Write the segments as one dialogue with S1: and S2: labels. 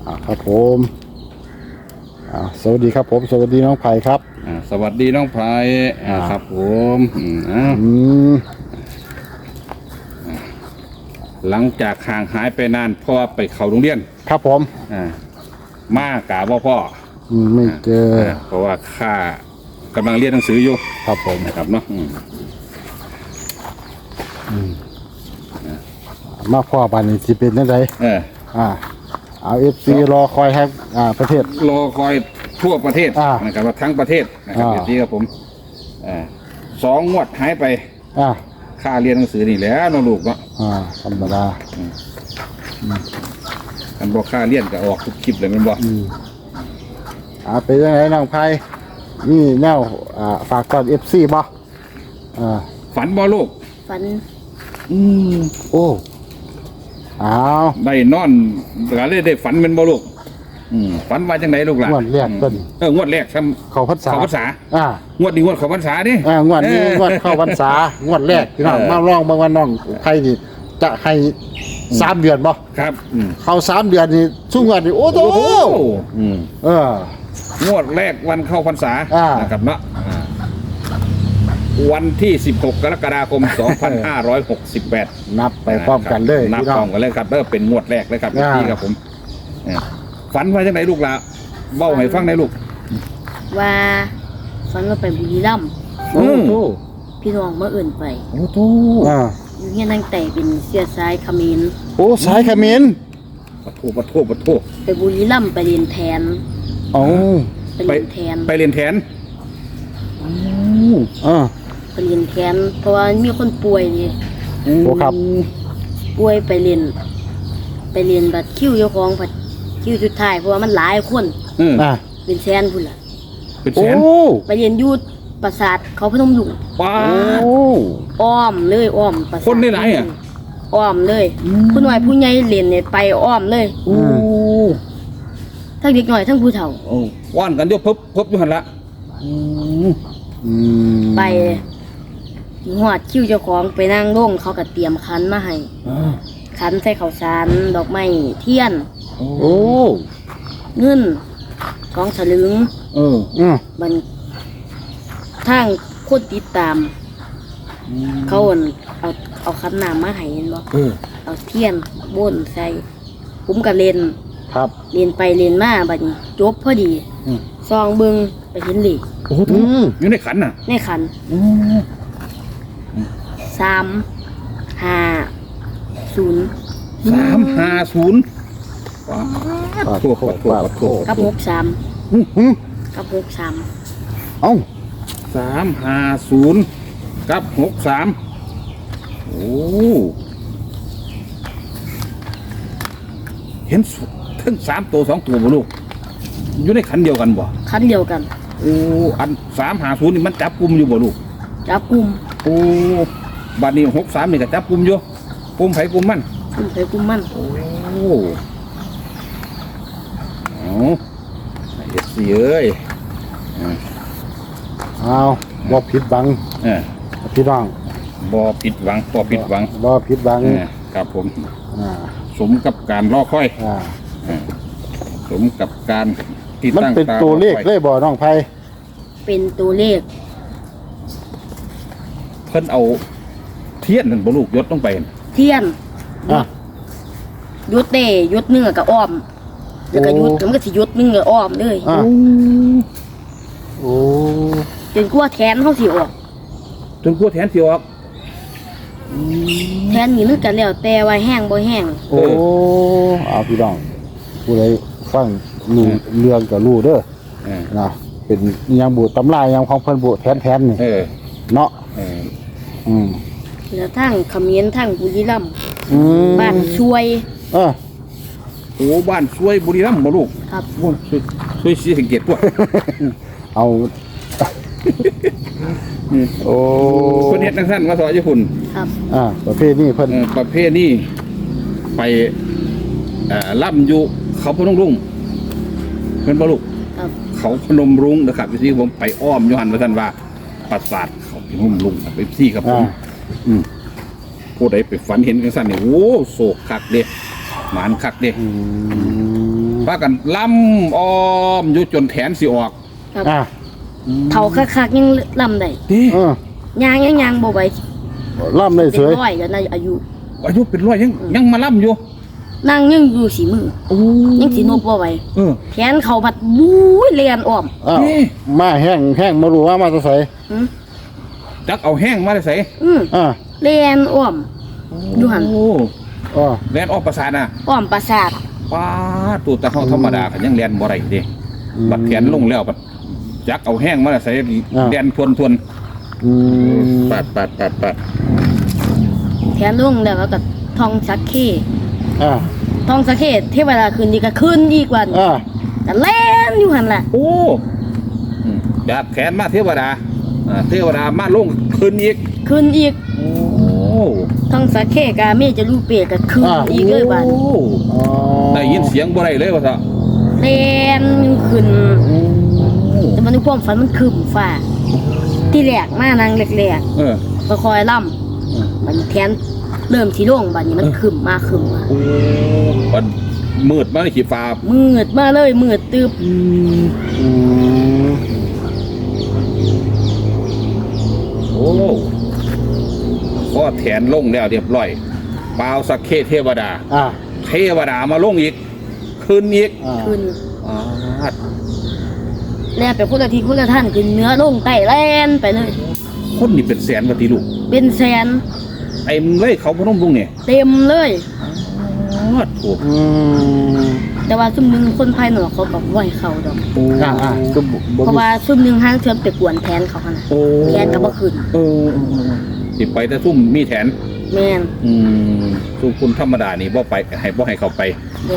S1: ครับผมสวัสดีครับผมสวัสดีน้องไผ่ครับ
S2: สวัสดีน้องไผ่ครับผมหลังจากห่างหายไปนานพ่อไปเข้าโรงเรียน
S1: ครับผม
S2: มากะว่าพ่อ
S1: ไม่เจอ
S2: เพราะว่าข้ากำลังเรียนหนังสืออยู่
S1: ครับผม
S2: นะครับเนาะ
S1: มาพ่อบ้านนี้สิเป็นยังไงเอาFCรอคอยให้ประเทศ
S2: รอคอยทั่วประเทศนะครับว่าทั้งประเทศนะครับที่ครับผม2 งวดหายไปค่าเรียนหนังสือนี่แหล้วน้องลูกเนาะ
S1: ธรรมดา
S2: อันบอกค่าเรียนก็ออกทุกคลิปเลยมันบอก
S1: เป็นยังไงน้องไผ่นี่แนวฝากก่อน FC บ่
S2: ฝันบ่ลูก
S3: ฝัน
S1: โอ้
S2: ได้นอนก็เลยได้ฝันเป็นบ่ลูกฝันว่าจังไหนลูกล่ะ
S1: งวดแรกต้น
S2: งวดแรก
S1: เข้าพรรษ
S2: างวดนี้งวดเข้าพรรษาดิ
S1: งวดนี้งวดเข้าพรรษางวดแรกพี่น้องมาลองเมื่อวันน้องไผ่นี่จะให้3 เดือนบ่
S2: ครับ
S1: เข้า3 เดือนนี่ช่วงงวดนี่โอ้โห
S2: งวดแรกวันเข้าพรรษานะครับเนาะวันที่16 กรกฎาคม 2568
S1: นับไปพร้อมกันเลย
S2: นับพร้อมกันเลยครับเป็นงวดแรกเลยครับพี่ครับผมฝันว่าจังไหนลูกล่ะเบ้าให้ฟังได้ลูก
S3: ว่าฝันว่าไปบุรีรัมย์พี่น้องเมื่ออื่นไปอยู่เฮียนั่งแต่เป็นเสียสายเขมร
S1: สายเขมร
S2: ปะโท
S3: ไปบุรีรัมย์ไปเรียนแทนไปเรียนแทน
S2: ไปเรียนแทน
S3: ไปเรียนแทนเพราะว่ามีคนป่วยนี่
S1: ครับ
S3: ป่วยไปเรียนบัดคิวเจ้าของบัดคิวสุดท้ายเพราะว่ามันหลายคนเป็นแสนพุ่นล่ะ
S2: เป็นแสน
S3: ไปเรียนยูดปราสาทเขาพนมอยู่อ้อมเลยอ้อม
S2: ปราสาทคนได้ไหน
S3: อ้อมเลยผู้น้อยผู้ใหญ่เรียนเนี่ยไปอ้อมเลยทั้งเด็กหน่อยทั้งผู้เฒ่า
S2: ว่านกันเดี๋ยวพบอยู่หันละ
S3: ไปหอดคิวเจ้าของไปนั่งร่งเขาก็เตรียมคันมาให้คันใส่ข้าวสารดอกไม้เทียนเงิน2 สลึงมันทางคนติดตามเขาเอาคันน้ำมาให้เห็นบ่เอาเทียนบ่นใส่ผมก็เล่นเล่นไปเล่นมาบัดนี้จบพอดีซองเบิ่งไปเห็นเลข
S2: อยู่ในขันน่ะ
S3: ในขัน350กับ63กับ63
S2: 350กับ63เห็นทั้ง3 ตัว 2 ตัวบ่ลูกอยู่ในขันเดียวกันบ่
S3: ขันเดียวกัน
S2: อัน350นี่มันจับกุมอยู่บ่ลูก
S3: จับกุม
S2: บัดนี้63นี่ก็จับกุมอยู่กุมไผกุมมันเฮ็ดสิเอ้ย
S1: บ่ผิดหวังพี่น้อง
S2: บ่ผิดหวังครับผมสมกับการรอคอยสมกับการที่ตั้งตา
S1: มันเป็นตัวเลขเลยบ่น้องไผ่
S3: เป็นตัวเลข
S2: เพิ่นเอาเทียนนั่นบ่ลูกยศลงไป
S3: เทียนยุดเต้ยุดเนื้อกับอ้อมแล้วก็ยุดมันก็สิยุดเนื้ออ้อมเลยจนกลัวแทนเขาสิออก
S2: แทน
S3: นี่นึกกันแล้วแต่ว่าแห้งบ่แห้ง
S1: พี่น้องผู้ใดฟังรู้เรื่องก็รู้เด้อนะเป็นยังบุตำรายังของเพิ่นบุแทนนี่เนาะ
S3: แล้วทั้งเขมรทั้งบุรีรัมย์บ้านช่วย
S2: บ้านช่วยบุรีรัมย์บ่ลูก
S3: ครับ
S2: ช่วยสีสังเกตพวก
S1: เอา
S2: เพิ่นเฮ็ดจังซั่นว่าสอนญี่ปุ่น
S3: ครับ
S1: ประเภทนี้เพิ่น
S2: ประเภทนี้ไปล่ำอยู่เขาพนมรุ้งเพิ่นบ่ลูกเขาพนมรุ้งนะครับที่ผมไปอ้อมอยู่หั่นว่าซั่นว่าปราสาทเขาพนมรุ้งไปที่ครับผมผู้ใดไปฝันเห็นจังซั่นนี่โอ้โศกคักเด้หมานคักเด้ไปพากันล่ำอ้อมอยู่จนแขนสิออก
S3: ครับ
S1: อ่ะ
S3: เท่าคักๆยังลำได้
S2: ดิ
S1: เออย่าง
S3: ยังบ่ไหว
S1: ล่ำได้
S3: เป็
S1: เส
S3: น
S1: ย
S3: ร้อยแล้วนะอายุ
S2: อายุเป็นร้อยยังมาล่ำอยู่
S3: นั่งยังอยู่สีมือ
S2: โอ้
S3: ยังสีนบบ่ไหว
S2: เออ
S3: แขนเขาบัดบู๊ยเลียนอ้อม
S1: อ้าว
S2: นี่
S1: มาแห้งมารู้ว่ามาจะใส่
S3: อืม
S2: จักเอาแห้งมาได้ใส่
S1: อ่ะ
S3: เลียนอ้อม อยู่หั่น
S2: โอ้
S1: อ๋อ
S2: แลนออกประสาทน่ะ
S3: อ้อมประสาท
S2: ป้าตัวตะเฮาธรรมดาก็ยังแลนบ่ได้เด้บัดแขนลงแล้วบัดจักเอาแห้งมาได้ใส่แลนทวน
S1: อืม
S2: ปัด
S3: แขนลงแล้วก็ทองสักเค
S1: อ่ะ
S3: ทองสักเคเทวดาคืนดีก็คืนอีกวัน
S1: อ่ะ
S3: ก็แล่นอยู่หั่นล่ะ
S2: โอ้จากแขนมาเทวดาเทวดามาลงคืนอีก
S3: คืนอีก
S2: โอ้
S3: ทองสักเคกาเมจะรูปเปรตก็คืนอีกเลยบัด
S2: โอ้
S1: อ๋อ
S2: ได้ยินเสียงบ่ได้เลยว่าซะ
S3: แล่นขึ้นแต่มันในความฝันมันคืมฟ้าที่แรกมานางแรก
S2: เออ
S3: ๆค่อยๆล่ำมันแขนเริ่มสีโล่งบัดนี้มันคืมมา
S2: โอ้มันมืดมาในขีฟ้า
S3: มืดมาเลยมืดตึบ
S1: อืม
S2: โอ้ข้อแขนลงแล้วเรียบร้อยปาวสักเคเทวดา
S1: อ่ะ
S2: เทวดามาลงอีกคืนอีก
S1: อ่ะ
S3: ขึ้น
S2: อ่า
S3: แล้วไปคนละทีคนละท่านขึ้นเนื้อลงไต่แล่นไปเลย
S2: คนนี่เป็นแสนกว่าตีลูก
S3: เป็นแสน
S2: ไอ้มึงเลยเขาพนมลุงเนี่ย
S3: เต็มเลย
S2: โอ้
S1: อืม
S3: แต่ว่าซุ่มหนึงคนภายนอกเขาบอกว่าให้เขาดอก
S1: อ่ะก็บ่
S3: เพราะว่าซุ่มหนึงห้างเทือมไปกวนแทนเขาขนาด
S2: โอ้
S3: แทนก็บ่ขึ้น
S2: สิไปแต่ซุ่มมีแถน
S3: แม่น
S2: ซุ่มคุณธรรมดานี่บ่ไปบ่ให้เขาไป
S3: บ่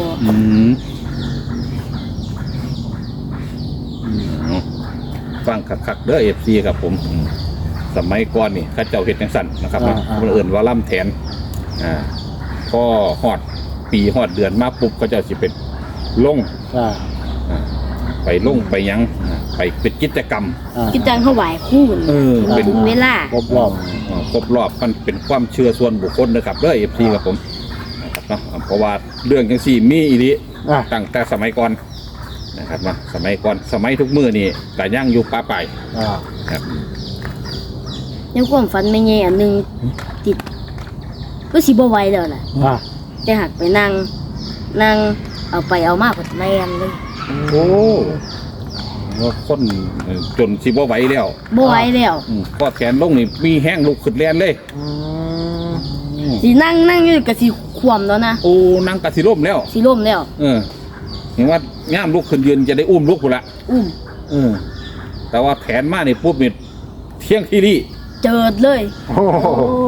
S2: ฟังคักๆเด้อเอฟซีครับผมสมัยก่อนนี่ข้าเจ้าเฮ็ดจังสั่นนะครับคนอื่นว่าล่ำแทนพอฮอดปีฮอดเดือนมาปุ๊บก็เจ้าสิเป็นลง
S1: อ่ะ
S2: ไปลงไปหยังไปเป็นกิจกรรม
S1: อ่ะ
S3: คิดจังเขาไหวคู่น
S2: เป็น
S3: ถึงเวลา
S1: ครบรอบ
S2: ครบรอบมันเป็นความเชื่อส่วนบุคคลนะครับเด้อเอฟซีครับผมนะครับเนาะเพราะว่าเรื่องจังซี่มีอีหลี
S1: อ่ะ
S2: ตั้งแต่สมัยก่อนนะครับมาสมัยก่อนสมัยทุกมื้อนี่ก็ย่างอยู่ป่าไป
S1: อ่ะ
S2: ครับ
S3: ยังความฝันไม่แย่อันหนึงติดก็สิบ่ไหวแล้วล่ะ
S1: อ่ะ
S3: แต่หักไปนั่งเอาไปเอามาก็แล่นเลย
S2: โอ้ว่าคนจนสิบ่ไหวแล้ว
S3: บ่ไหวแล้ว
S2: ก็แขนลงนี่มีแห้งลุกขึ้นแลนเลย
S1: อืม
S3: สินั่งอยู่ก็สิคว่ำแล้วนะ
S2: โอ้นั่งกะสิร่มแล้ว
S3: สิล่มแล้ว
S2: เห็นว่าง่ามลุกขึ้นยืนจะได้อุ้มลุกพุ่นละ
S3: อุ้ม
S2: แต่ว่าแขนมานี่ปุ๊บนี่เที่ยงที่นี่
S3: เจิดเลย
S1: โอ้โห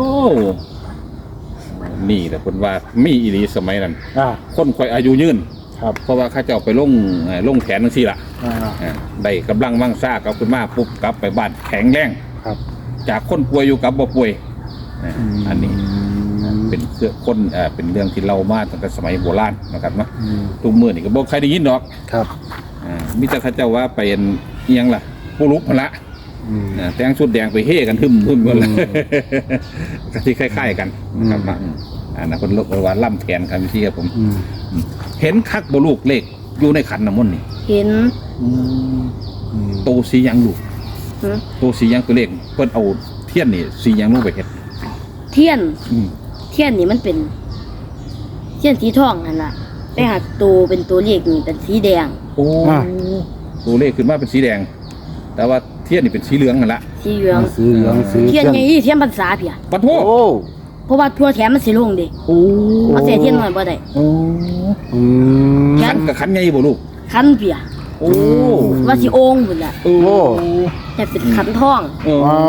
S2: นี่แหละคนว่ามีอีหลีสมัยนั้น
S1: อ่ะ
S2: คนคอยอายุยืน
S1: ครับ
S2: เพราะว่าข้าเจ้าไปลงแขนทั้งสี่ละ
S1: อ่ะ
S2: ได้กำลังมั่งซ่ากลับขึ้นมาปุ๊บกลับไปบ้านแข็งแรง
S1: ครับ
S2: จากคนป่วยอยู่กับบ่ป่วยอันนี้เป็นเป็นเรื่องที่เล่ามาตั้งแต่สมัยโบราณนะครับเนาะ
S1: อืม
S2: ทุกมื้อนี่ก็บ่ใครได้ยินดอก
S1: ครับ
S2: มิแต่ข้าเจ้าว่าเป็นเอียงล่ะผู้ลุกมาละ
S1: อืม
S2: แต่งชุดแดงไปเฮ่กันทึมกันละก็ที่คล้ายๆกันนะครับเนาะนะคนลกว่าล่ำแขนครับพี่ครับผม
S1: อืม
S2: เห็นคักบ่ลูกเลขอยู่ในขันน้ำมนต์นี่
S3: เห็น
S1: อืม
S2: โตสีหยังลูก
S3: หึ
S2: โตสีหยังตัวเลขเพิ่นเอาเทียนนี่สีหยังลงไปเฮ็ด
S3: เทียน
S2: อืม
S3: เทียนนี่มันเป็น เทียนสีทองนั่นล่ะไปหักตัวเป็นตัวเลขนี่เป็นสีแดง
S2: โอ้ตัวเลขขึ้นมาเป็นสีแดง แต่ว่าเทียนนี่เป็นสีเหลืองนั่นละ
S3: สีเหลือง
S1: สีเหลืองสี
S3: เทียนไงเทียนพรรษาเพีย
S2: ปะโท
S1: โอ้
S3: เพราะว่าทั่วแถมมันสิลงเด้
S2: โอ้
S3: เอาใส่เทียนหน่อยบ่ได้
S2: โอ้
S1: อืม
S2: ขันกับขันไงบ่ลูก
S3: คันเพีย
S2: โอ้
S3: ว่าสิโอ่งพุ่นล่ะ
S2: โอ้
S3: แต่เป็นขันทอง
S1: อ๋อ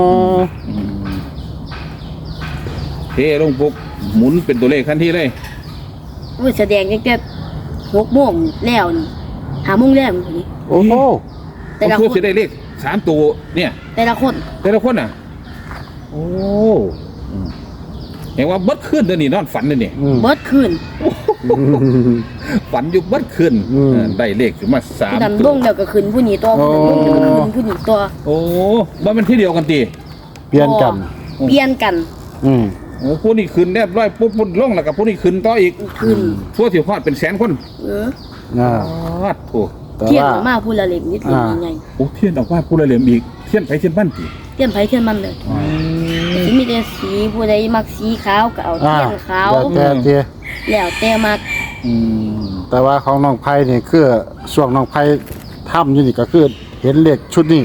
S2: เทลงปุ๊บหมุนเป็นตัวเลขทันทีเลย
S3: โอ้ยแสดงตั้งแต่6 โมงแล้วนี่5 โมงแล้วนี่
S1: โอ้โห
S3: แต่ละ
S2: เพื่อ
S3: ค
S2: จะ
S3: น
S2: ได้เลข3ตัวเนี่ย
S3: แต่ละคน
S2: แต่ละคนน่ะ โอ้เห็นว่าเบิดขึ้นเดี๋ยวนี้นอนฝันเลยนี่
S1: อืม
S3: เบิดคืน
S2: ฝันอยู่เบิดขึ้น
S1: อืม
S2: ได้เลขขึ้นมาสาม
S3: ผู้นั้น
S2: ตั
S3: ล
S2: ว
S3: งแล้วก็ขึ้นผู้นี้ตัวผู้นั้นลงแล้วก็ขึ้นผู้นี้ตัว
S2: โอ้ว่ามันที่เดียวกันตี
S1: เปลี่ยนกัน
S3: เปลี่ยนกัน
S1: อืม
S2: โอ้ผู้นี้ขึ้นเรียบร้อยปุ๊บพุ่นลงแล้วกับผู้นี้ขึ้นต่ออีก
S3: ขึ้น
S2: ทั่วถิ่วฮอดเป็นแสนคน
S3: เออ
S2: วัดโถ
S1: แต่
S3: เทียน
S1: ว่า
S3: ออกมาพูดละเล็กนิดเล็กยังไง
S2: โอ้เทียนออกมาผู้ละเหลี่ยมอีกเทียนไปเทียนบ้านติ
S3: เทียนไผเทียนมันเลยสิมีแต่สีผู้ใดมักสีขาวก็เอาเทียนขาว
S1: แล้วแต่
S3: แล้วแต่มัก
S2: อืม
S1: แต่ว่าของน้องไผ่นี่คือช่วงน้องไผ่ทำอยู่นี่ก็คือเห็นเลขชุดนี้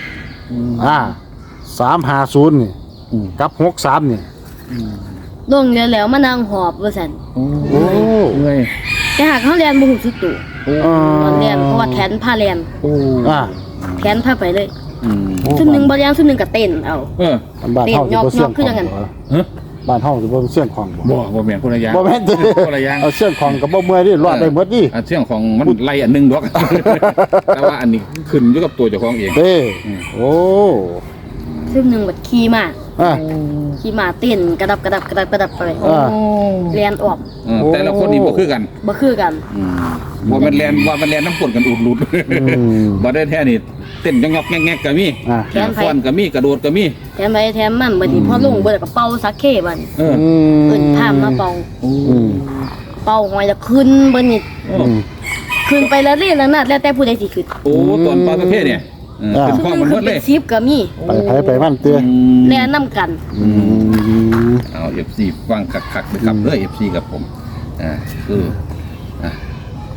S1: 350นี่กับ63นี่
S3: ลงแล้วมานั่งหอบว่าซั่น
S2: โอ้
S1: โอ้
S2: เมื่อย
S3: แต่หากเขาเรียนบ่ฮู้สึกตัว
S2: โอ้
S3: ตอนเรียนเพราะว่าแขนผ้าเรียน
S2: โอ้
S3: แขนผ้าไปเลย
S2: อืม
S3: ชุดหนึงบ่เรียนชุดหนึงก็เต้นเอา
S2: เออ
S1: บ้านเฮาสิบ่เสี่ยง
S3: เต้นยอกๆคือจังนั้น
S2: ฮะ
S1: บ้านเฮาสิบ่เสี่ยงของบ่
S2: บ่แม่นคนละอย่าง
S1: บ่แม่นติ
S2: คนละอย่าง
S1: เอาเสี่ยงของก็บ่เมื่อยดิรอดได้หมดดิ
S2: เรื่องของมันไล่อันหนึงดอก แต่ว่าอันนี้ขึ้นอยู่กับตัวเจ้าของเอง
S1: เด้โอ้
S3: ชุดหนึงบัดขี่ม้า
S1: อ่ะ
S3: ขี่ม้าเต้นกระดับไป
S1: อ่า
S3: เรียนออก
S2: แต่ละคนนี่บ่คือกัน
S3: บ่คือกัน
S2: ว่ามันแลนน้ำกรดกันอุดหลุด บ่ได้แท้นี่เต้นยอกๆแงกๆก็มี
S1: อ่ะ
S2: ฟ้อนก็มีกระโดดก็มี
S3: แถมไปแถมมันบัดนี้พอลงเบิดก็เป่าสักเคบัดนี้
S2: เออ
S3: เอิ้นพามมาเป่า
S1: อืม
S3: เป่าหอยแล้วขึ้นเบิดนี่
S1: อืม
S3: ขึ้นไปแล้วเรื่อยแล้วนัดแล้วแต่ผู้ใดสิขึ้น
S2: โอ้ตอนปลาประเภทเนี่ยเป็นข้อมันหมดเลย
S3: 10ก็มี
S1: ไปไปมันเตี้ย
S3: แล่นำกัน
S1: อืม
S2: เอา FC ฟังคักๆนะครับเด้อ FC กับผมคือ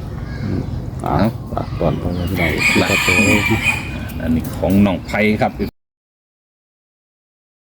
S2: เอา
S1: ตอนไปไม่ได้
S2: อันนี้ของน้องไผ่ครับ